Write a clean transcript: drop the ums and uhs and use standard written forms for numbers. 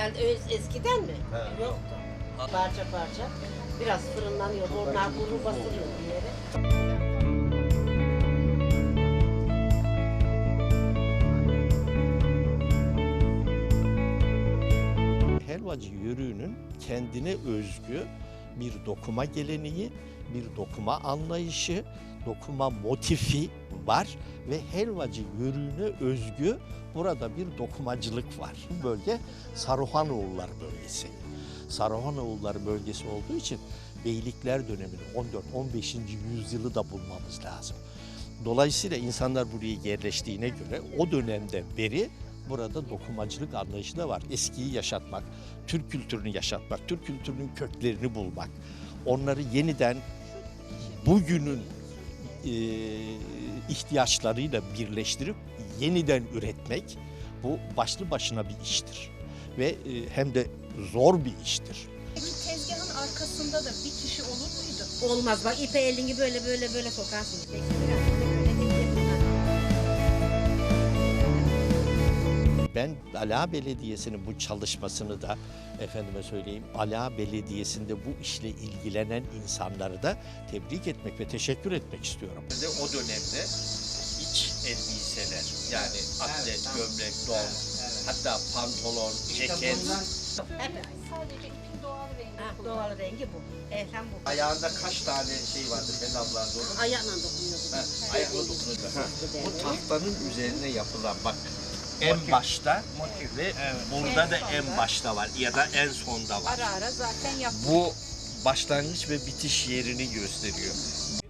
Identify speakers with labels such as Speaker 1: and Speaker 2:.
Speaker 1: herhalde eskiden mi?
Speaker 2: He.
Speaker 1: Yoktu. Parça parça. Biraz fırınlanıyor. Onlar kuru basılıyor bir yere.
Speaker 2: Helvacı yörüğünün kendine özgü bir dokuma geleneği, bir dokuma anlayışı, dokuma motifi var ve helvacı yörüğüne özgü burada bir dokumacılık var. Bu bölge Saruhanoğulları bölgesi. Saruhanoğulları bölgesi olduğu için beylikler dönemini 14-15. yüzyılı da bulmamız lazım. Dolayısıyla insanlar buraya yerleştiğine göre o dönemden beri burada dokumacılık anlayışı da var. Eskiyi yaşatmak, Türk kültürünü yaşatmak, Türk kültürünün köklerini bulmak, onları yeniden bugünün ihtiyaçlarıyla birleştirip yeniden üretmek bu başlı başına bir iştir. Ve hem de zor bir iştir.
Speaker 3: Peki tezgahın arkasında da bir kişi olur muydu?
Speaker 1: Olmaz bak ipe elini böyle sokarsın.
Speaker 2: Ben Ala Belediyesi'nin bu çalışmasını da efendime söyleyeyim Ala Belediyesi'nde bu işle ilgilenen insanları da tebrik etmek ve teşekkür etmek istiyorum. O dönemde iç elbiseler yani atlet, gömlek, don, hatta pantolon, ceket.
Speaker 1: Hep
Speaker 3: Sadece ipin doğal rengi.
Speaker 1: doğal rengi bu. Hem bu.
Speaker 2: Ayağında kaç tane şey vardı pedallarda onun?
Speaker 1: Ayağla dokunuyordu.
Speaker 2: Ayakla dokunacak. Bu tahtanın üzerine yapılan bak en başta ve burada da en başta var ya da en sonda var.
Speaker 3: Ara ara zaten yaptık.
Speaker 2: Bu başlangıç ve bitiş yerini gösteriyor.